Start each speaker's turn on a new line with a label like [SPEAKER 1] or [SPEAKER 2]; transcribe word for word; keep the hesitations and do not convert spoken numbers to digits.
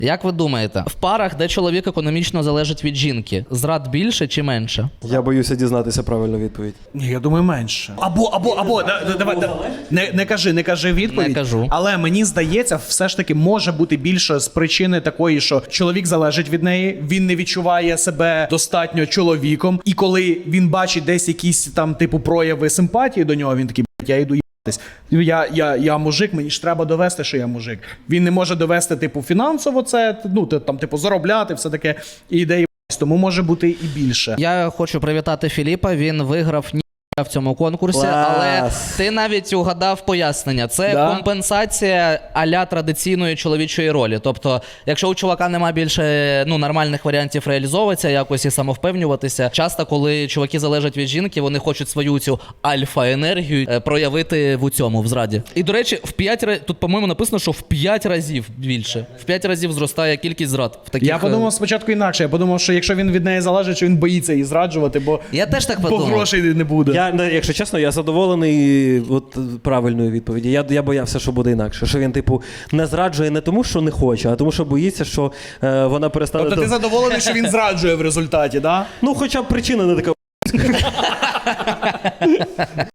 [SPEAKER 1] Як ви думаєте, в парах, де чоловік економічно залежить від жінки, зрад більше чи менше?
[SPEAKER 2] Я боюся дізнатися правильну відповідь.
[SPEAKER 3] Ні, я думаю, менше. Або, або, або, да, да, давай, да, не, не кажи, не кажи відповідь.
[SPEAKER 1] Не кажу.
[SPEAKER 3] Але мені здається, все ж таки може бути більше з причини такої, що чоловік залежить від неї, він не відчуває себе достатньо чоловіком, і коли він бачить десь якісь там типу прояви симпатії до нього, він такий, блядь, я йду їбатись. Я, я, я мужик, мені ж треба довести, що я мужик. Він не може довести, типу, фінансово це, ну, там, типу, заробляти, все таке, і йде їбатись. Тому може бути і більше.
[SPEAKER 1] Я хочу привітати Філіпа, він виграв ні в цьому конкурсі,
[SPEAKER 2] Клас.
[SPEAKER 1] але ти навіть угадав пояснення. Це
[SPEAKER 3] Да?
[SPEAKER 1] компенсація а-ля традиційної чоловічої ролі. Тобто, якщо у чувака нема більше ну, нормальних варіантів реалізовуватися, якось і самовпевнюватися, часто, коли чуваки залежать від жінки, вони хочуть свою цю альфа-енергію е, проявити в цьому, в зраді. І, до речі, в п'ять разів, тут, по-моєму, написано, що в п'ять разів більше. В п'ять разів зростає кількість зрад. В таких,
[SPEAKER 3] Я подумав спочатку інакше. Я подумав, що якщо він від неї залежить, що він боїться її зраджувати, бо,
[SPEAKER 1] Я теж так
[SPEAKER 3] бо
[SPEAKER 1] подумав.
[SPEAKER 3] грошей не буде.
[SPEAKER 2] Я, не, якщо чесно, я задоволений от, правильною відповіді. Я, я боявся, що буде інакше. Що він, типу, не зраджує не тому, що не хоче, а тому, що боїться, що е, вона перестане...
[SPEAKER 3] Тобто ти
[SPEAKER 2] до-
[SPEAKER 3] задоволений, що він зраджує в результаті, да?
[SPEAKER 2] Ну, хоча б причина не така...